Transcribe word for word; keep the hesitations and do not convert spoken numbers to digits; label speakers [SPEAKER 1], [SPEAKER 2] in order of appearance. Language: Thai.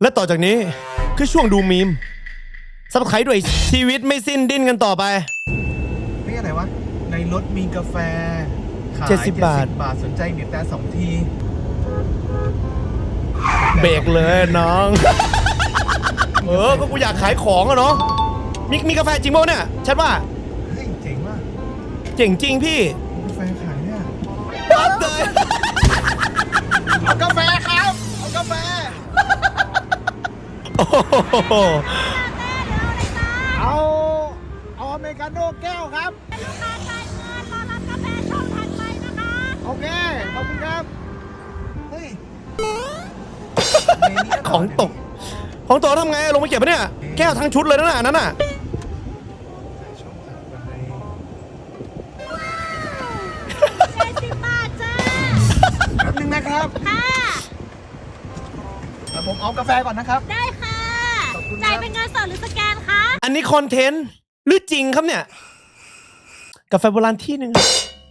[SPEAKER 1] และต่อจากนี้คือช่วงดูมีมซับไครด้วยชีวิตไม่สิ้นดิ้นกันต่อไป
[SPEAKER 2] นี่อะไรวะในรถมีกาแฟขาย
[SPEAKER 1] เจ็ดสิบบาท
[SPEAKER 2] บาทสนใจบีบแต่สองที
[SPEAKER 1] เบรกเลยน้อง เออก็กูอยากขายของอะเนาะมีมีกาแฟจริงป่ะเนี่ยชัดว่า
[SPEAKER 2] เฮ้ยเจ๋งว่ะ
[SPEAKER 1] เจ๋งจริงพี่
[SPEAKER 2] กาแฟขายเนี่ย
[SPEAKER 1] ปั๊บเลย
[SPEAKER 2] เอากาแฟครับเอากาแฟ
[SPEAKER 1] โอ้โห
[SPEAKER 2] เอาเอาอเมริกาโน่แก้วครับ
[SPEAKER 3] ลูกค้าจ่ายเงินรอรับกาแฟช่องถัดไปนะคะ
[SPEAKER 2] โอเคขอบคุณครับเฮ้ย
[SPEAKER 1] ของตกของตกทำไงลงมาเก็บปะเนี่ยแก้วทั้งชุดเลยนะน่ะนั่นน่ะ
[SPEAKER 2] ช่องถัดไป
[SPEAKER 3] เจ็ดสิบบาทจ้า
[SPEAKER 2] แป๊บนึงนะครับ
[SPEAKER 3] ค่ะ
[SPEAKER 2] เดี๋ยวผมเอากาแฟก่อนนะครับ
[SPEAKER 3] ได้ค่ะ
[SPEAKER 2] ขอบคุณครับ
[SPEAKER 3] จ่ายเป็นเงินสดหรือสแกนคะ
[SPEAKER 1] อันนี้คอนเทนต์หรือจริงครับเนี่ยกาแฟโบราณที่หนึ่ง